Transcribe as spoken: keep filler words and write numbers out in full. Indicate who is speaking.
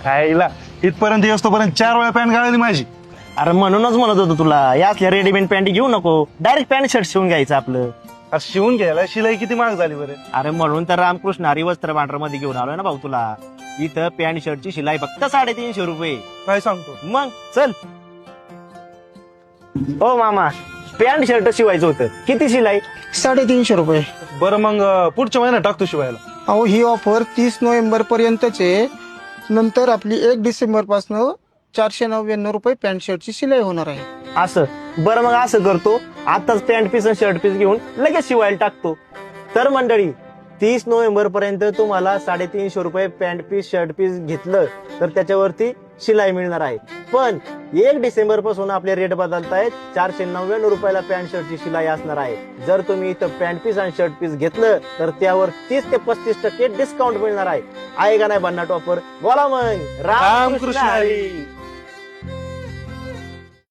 Speaker 1: आईला इथपर्यंत येतोपर्यंत चार वेळा पॅन्ट गाळली माझी.
Speaker 2: अरे म्हणूनच म्हणत होतो तुला या असल्या रेडीमेड पॅन्ट घेऊ नको, डायरेक्ट पॅन्ट शर्ट शिवून घ्यायचं आपलं.
Speaker 1: अरे शिवून घ्यायला शिलाई किती महाग झाली बरं.
Speaker 2: अरे म्हणून तर रामकृष्ण हरी वस्त्र भांडार मध्ये घेऊन आलोय ना भाऊ तुला. इथं पॅन्ट शर्टची शिलाई फक्त साडेतीनशे रुपये.
Speaker 1: काय सांगतो.
Speaker 2: मग चल. ओ मामा, पॅन्ट शर्ट शिवायचं होतं, किती शिलाई?
Speaker 3: साडेतीनशे रुपये.
Speaker 1: बरं मग अं, पुढच्या महिन्यात टाकतो शिवायला.
Speaker 3: अहो ही ऑफर तीस नोव्हेंबर पर्यंतच आहे. नंतर आपली एक डिसेंबर पासून चारशे नव्याण्णव रुपये पॅन्ट शर्टची शिलाई होणार आहे.
Speaker 2: असं बरं, मग असं करतो, आताच पॅन्ट पीस आणि शर्ट पीस घेऊन लगेच शिवायला टाकतो. तर मंडळी, तीस नोव्हेंबर पर्यंत तुम्हाला साडेतीनशे रुपये पॅन्ट पीस शर्ट पीस घेतलं तर त्याच्यावरती शिलाई मिळणार आहे. पण एक डिसेंबर पासून आपले रेट बदलतायत. चारशे नव्याण्णव रुपयाला पॅन्ट शर्टची शिलाई असणार आहे. जर तुम्ही इथं पॅन्ट पीस आणि शर्ट पीस घेतलं तर त्यावर तीस ते पस्तीस टक्के डिस्काउंट मिळणार आहे. आहे का नाही भन्नाट ऑफर? बोला मग.
Speaker 1: रामकृष्ण हरी.